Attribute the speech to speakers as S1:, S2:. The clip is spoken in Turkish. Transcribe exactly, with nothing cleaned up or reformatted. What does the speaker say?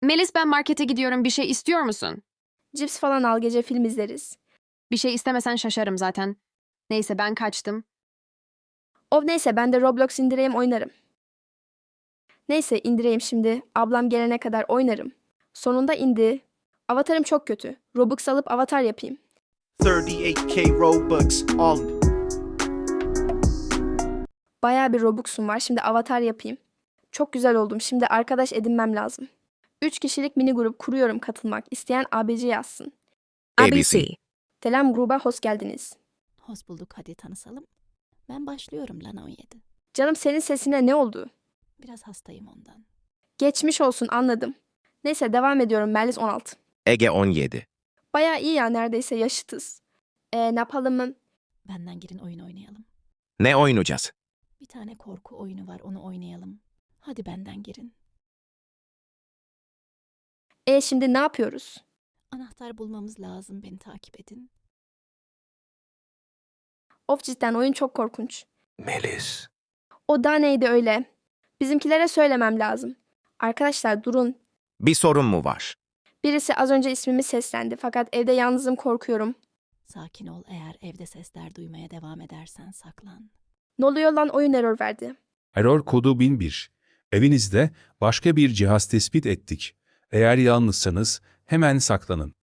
S1: Melis ben markete gidiyorum bir şey istiyor musun?
S2: Cips falan al, gece film izleriz.
S1: Bir şey istemesen şaşarım zaten. Neyse ben kaçtım.
S2: Of neyse, ben de Roblox indireyim oynarım. Neyse indireyim şimdi. Ablam gelene kadar oynarım. Sonunda indi. Avatarım çok kötü. Robux alıp avatar yapayım.
S3: thirty-eight K Robux, all
S2: Bayağı bir Robux'um var. Şimdi avatar yapayım. Çok güzel oldum. Şimdi arkadaş edinmem lazım. Üç kişilik mini grup kuruyorum katılmak. İsteyen A B C yazsın.
S4: A B C.
S2: Selam gruba, hoş geldiniz.
S5: Hoş bulduk, hadi tanışalım. Ben başlıyorum Lana on yedi.
S2: Canım senin sesine ne oldu?
S5: Biraz hastayım ondan.
S2: Geçmiş olsun, anladım. Neyse devam ediyorum, Melis on altı.
S4: Ege on yedi.
S2: Bayağı iyi ya, neredeyse yaşıtız. E, ne yapalım mı?
S5: Benden girin, oyun oynayalım.
S4: Ne oynayacağız?
S5: Bir tane korku oyunu var, onu oynayalım. Hadi benden girin.
S2: E şimdi ne yapıyoruz?
S5: Anahtar bulmamız lazım, beni takip edin.
S2: Of cidden oyun çok korkunç.
S4: Melis.
S2: O da neydi öyle? Bizimkilere söylemem lazım. Arkadaşlar durun.
S4: Bir sorun mu var?
S2: Birisi az önce ismimi seslendi fakat evde yalnızım, korkuyorum.
S5: Sakin ol, eğer evde sesler duymaya devam edersen saklan.
S2: Ne oluyor lan, oyun error verdi.
S6: Error kodu bin bir. Evinizde başka bir cihaz tespit ettik. Eğer yalnızsanız hemen saklanın.